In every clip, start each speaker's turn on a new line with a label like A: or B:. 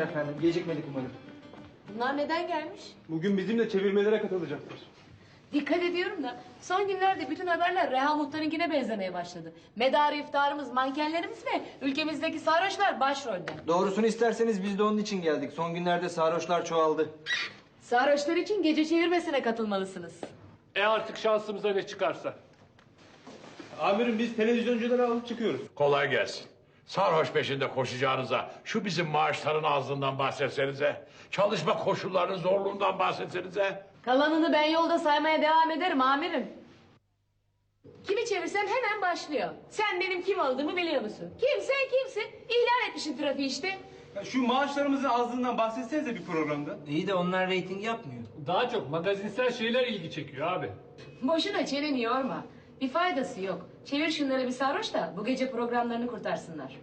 A: efendim. Gecikmedik umarım.
B: Bunlar neden gelmiş?
C: Bugün bizimle çevirmelere katılacaklar.
B: Dikkat ediyorum da son günlerde bütün haberler Reha Muhtar'ınkine benzemeye başladı. Medarı iftarımız mankenlerimiz ve ülkemizdeki sarhoşlar başrolde.
A: Doğrusunu isterseniz biz de onun için geldik. Son günlerde sarhoşlar çoğaldı.
B: Sarhoşlar için gece çevirmesine katılmalısınız.
C: Artık şansımıza ne çıkarsa. Amirim biz televizyoncuları alıp çıkıyoruz.
D: Kolay gelsin. Sarhoş peşinde koşacağınıza şu bizim maaşların azlığından bahsetsenize. Çalışma koşullarının zorluğundan bahsetsenize.
B: Kalanını ben yolda saymaya devam ederim amirim. Kimi çevirsem hemen başlıyor. Sen benim kim olduğumu biliyor musun? Kimsen kimsin? İhlal etmişsin trafiği işte.
C: Ya şu maaşlarımızın azlığından bahsetsenize bir programda.
A: İyi de onlar reyting yapmıyor.
C: Daha çok magazinsel şeyler ilgi çekiyor abi.
B: Boşuna çeneni yorma. Bir faydası yok. Çevir şunları bir sarhoş da bu gece programlarını kurtarsınlar.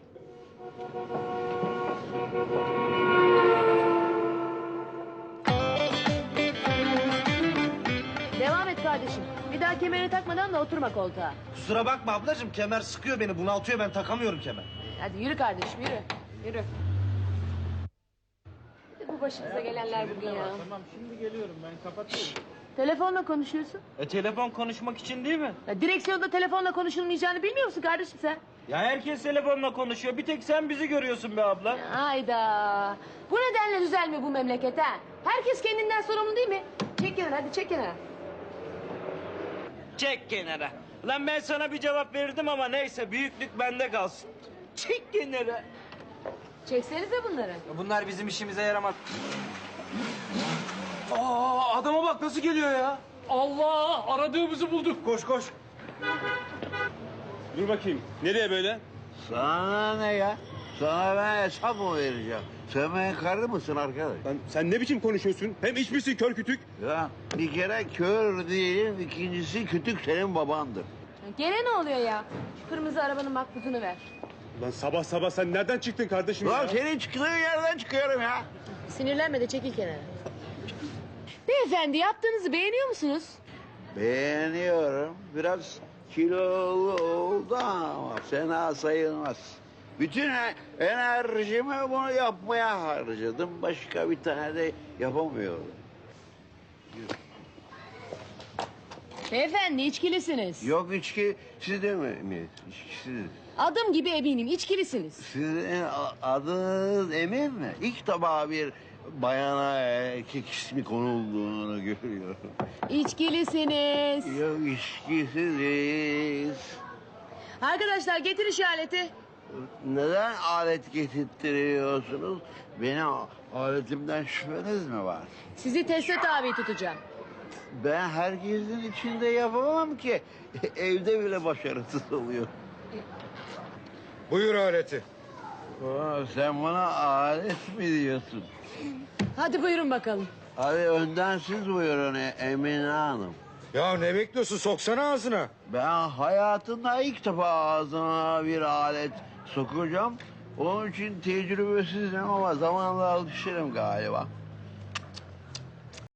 B: Devam et kardeşim. Bir daha kemerini takmadan da oturma koltuğa.
E: Kusura bakma ablacığım, kemer sıkıyor beni, bunaltıyor, ben takamıyorum kemer.
B: Hadi yürü kardeşim yürü. Yürü. Bir de bu başımıza gelenler bugün ya.
C: Tamam şimdi geliyorum ben kapatıyorum.
B: Telefonla konuşuyorsun.
E: Telefon konuşmak için değil mi?
B: Ya direksiyonda telefonla konuşulmayacağını bilmiyor musun kardeşim sen?
E: Ya herkes telefonla konuşuyor, bir tek sen bizi görüyorsun be abla.
B: Hayda. Bu nedenle düzelmiyor bu memleket ha. Herkes kendinden sorumlu değil mi? Çek kenara hadi çek kenara.
E: Çek kenara. Lan ben sana bir cevap verirdim ama neyse, büyüklük bende kalsın. Çek kenara.
B: Çeksenize bunları.
A: Bunlar bizim işimize yaramaz.
C: Aa adama bak nasıl geliyor ya. Allah aradığımızı bulduk. Koş koş. Dur bakayım nereye böyle?
F: Sana ne ya? Sana ben hesap mı vereceğim? Sen benim karı mısın arkadaş?
C: Lan sen ne biçim konuşuyorsun? Hem iç misin kör kütük?
F: Ya bir kere kör değilim, ikincisi kütük senin babandır.
B: Gene ne oluyor ya? Şu kırmızı arabanın makbuzunu ver.
C: Lan sabah sabah sen nereden çıktın kardeşim
F: Lan
C: ya?
F: senin çıktığın yerden çıkıyorum ya.
B: Sinirlenme de çekil kenara. Beyefendi yaptığınızı beğeniyor musunuz?
F: Beğeniyorum. Biraz kilolu oldu ama fena sayılmaz. Bütün enerjimi bunu yapmaya harcadım. Başka bir tane de yapamıyorum.
B: Beyefendi içkilisiniz.
F: Yok içki sizde mi? İçkisiz.
B: Adım gibi eminim içkilisiniz.
F: Sizin adınız Emin mi? İlk defa bir bayana erkek ismi konulduğunu görüyorum.
B: İçkilisiniz.
F: Yok içkisiziz.
B: Arkadaşlar getir işareti.
F: Neden alet getirtiyorsunuz? Benim aletimden şüpheniz mi var?
B: Sizi teste tabi tutacağım.
F: Ben herkesin içinde yapamam ki. Evde bile başarısız oluyor.
D: Buyur aleti.
F: Sen bana alet mi diyorsun?
B: Hadi buyurun bakalım.
F: Hadi önden siz buyurun Emine Hanım.
D: Ya ne bekliyorsun soksana ağzına.
F: Ben hayatımda ilk defa ağzıma bir alet sokacağım. Onun için tecrübesizim ama zamanla alışırım galiba.